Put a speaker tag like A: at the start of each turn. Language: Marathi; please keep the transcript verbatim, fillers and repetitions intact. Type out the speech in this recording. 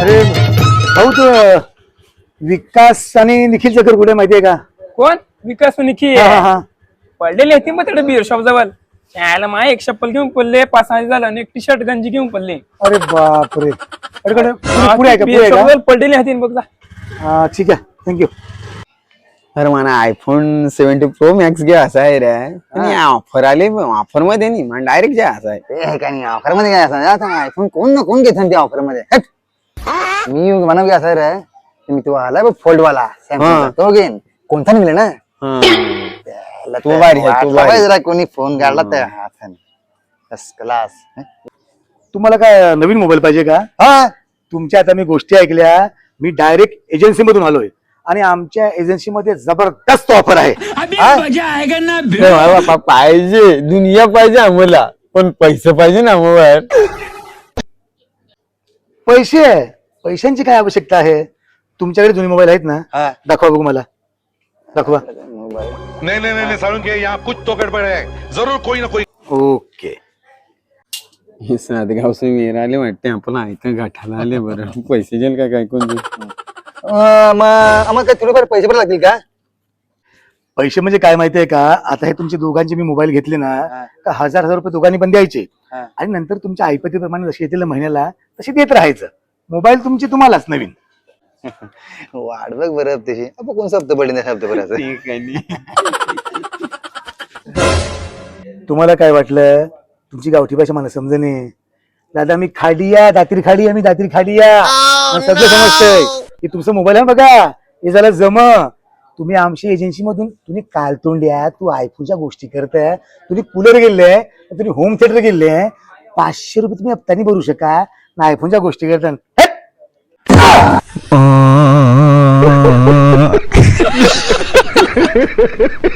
A: अरे भाऊ तो विकास आणि निखिल चक्कर कुठे माहितीये का?
B: कोण? विकास निखी
A: हा, हा, हा.
B: पडलेले होते मग तिकडे बिअर शॉप जवळ. यायला माय एक चप्पल घेऊन पडले, पाच सहा झालं आणि एक टी शर्ट गंजी घेऊन पडले.
A: अरे बापरे. अरे कडे पुढे पुढे आहे का? पुढे
B: बिअर
A: आहे
B: शॉप
A: का?
B: जवळ पडलेले होते बघ जा.
A: हा, ठीक आहे, थँक्यू.
C: अरे मला आयफोन सेव्हन्टी प्रो मॅक्स घ्या असा आहे रे. आणि ऑफर आले ऑफर मध्ये नाही मग डायरेक्ट घ्या असा आहे.
D: ते काय नाही ऑफर मध्ये काय असं आयफोन कोण ना कोण घेत त्या ऑफर मध्ये. हट. मी म्हणा काय असं रे, मी तो आलाय बघ फोल्ड वाला Samsung चा, तो घेईन. कोणता निघले ना
C: तो भारी आहे, तो भारी.
D: जरा कोणी फोन काढला त्या हाताने फर्स्ट क्लास.
A: तुम्हाला काय नवीन मोबाईल पाहिजे का?
D: हा
A: तुमच्या आता मी गोष्टी ऐकल्या. मी डायरेक्ट एजन्सी मधून आलोय आणि आमच्या एजन्सी मध्ये जबरदस्त ऑफर आहे.
C: अरे बापा, पाहिजे दुनिया पाहिजे आम्हाला, पण पैसे पाहिजे ना मोबाईल.
A: पैसे? पैशांची काय आवश्यकता आहे? तुमच्याकडे जुने मोबाईल आहेत ना?
D: हा.
A: दाखवा बघू मला, दाखवा.
E: नहीं नहीं नहीं साळुंखे, यहाँ कुछ तो गड़बड़ है, जरूर कोई ना कोई.
A: ओके.
C: हे सातगाव से मेरा आले वाटते आपण ऐका गाठाला आले. बरं पैसे जेल काय काय कोण
D: मग आम्हाला काय थोडेफार पैसे पण लागतील का?
A: पैसे म्हणजे काय माहितीये का? आता हे तुमचे दोघांचे मी मोबाईल घेतले ना, का हजार हजार रुपये दोघांनी पण द्यायचे
D: हा.
A: आणि नंतर तुमच्या ऐपतीप्रमाणे जसे येतील महिन्याला तसे देत राहायचं. मोबाईल तुमची तुम्हालाच नवीन.
D: वाढ बघ बरं हप्त्याची. आपण कोण हप्ता पडले नाही हप्ता भरायचं.
C: ठीक आहे.
A: तुम्हाला काय वाटलं? तुमची गावठी भाषा मला समजणे. दादा मी खाडिया दात्री खाडी आम्ही दात्री खाडिया सगळं समजतंय की तुमचं मोबाईल आहे बघा. हे झालं जम. तुम्ही आमची एजन्सी मधून तुम्ही कालतोंड्या तू आयफोनच्या गोष्टी करताय. तुम्ही कूलर गेले, तुम्ही होम थिएटर गेले. पाचशे रुपये तुम्ही हप्त्याने भरू शका ना आयफोनच्या गोष्टी करता.